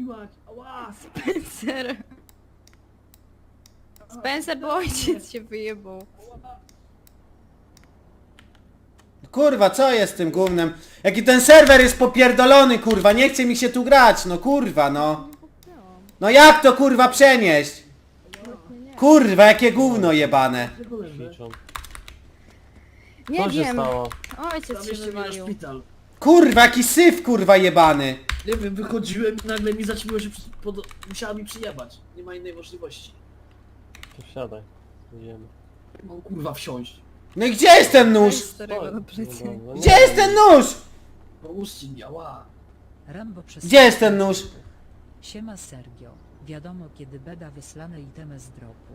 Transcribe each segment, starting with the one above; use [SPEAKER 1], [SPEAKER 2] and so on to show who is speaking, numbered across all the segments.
[SPEAKER 1] mać! Ała!
[SPEAKER 2] Spencer. Spencer, bo ojciec się wyjebał.
[SPEAKER 3] Kurwa, co jest z tym gównem? Jaki ten serwer jest popierdolony, kurwa, nie chce mi się tu grać, no kurwa, no. No jak to kurwa przenieść? Kurwa, jakie gówno jebane.
[SPEAKER 1] Czego leży?
[SPEAKER 4] Ćwiczą.
[SPEAKER 2] Nie
[SPEAKER 4] Co się
[SPEAKER 2] wiem.
[SPEAKER 4] stało?
[SPEAKER 2] Ojciec się
[SPEAKER 1] Zawieźcie mnie na
[SPEAKER 2] wywalił.
[SPEAKER 1] szpital.
[SPEAKER 3] Kurwa, jaki syf, kurwa, jebany.
[SPEAKER 1] Nie wiem, wychodziłem i nagle mi zaćmiło się, musiała mi przyjebać. Nie ma innej możliwości.
[SPEAKER 4] To wsiadaj. Idziemy.
[SPEAKER 1] Mam kurwa wsiąść.
[SPEAKER 3] No i gdzie jest ten nóż?
[SPEAKER 2] Starego do plecy.
[SPEAKER 4] No,
[SPEAKER 3] Gdzie jest ten nóż?
[SPEAKER 1] Pomóżcie mi, ała.
[SPEAKER 5] Rambo przez...
[SPEAKER 3] Gdzie jest ten nóż?
[SPEAKER 5] Siema Sergio. Wiadomo kiedy beda wyslane itemy z dropu.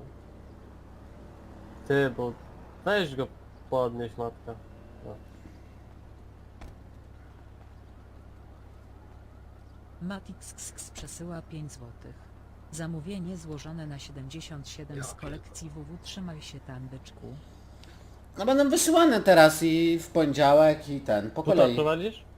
[SPEAKER 4] Ty, bo... Weź go podnieś, matka. No.
[SPEAKER 5] Matix przesyła 5 zł. Zamówienie złożone na 77 z kolekcji WW. Trzymaj się tam, byczku.
[SPEAKER 3] No będą wysyłane teraz i w poniedziałek i ten, po
[SPEAKER 4] Tu to
[SPEAKER 3] kolei.
[SPEAKER 4] prowadzisz?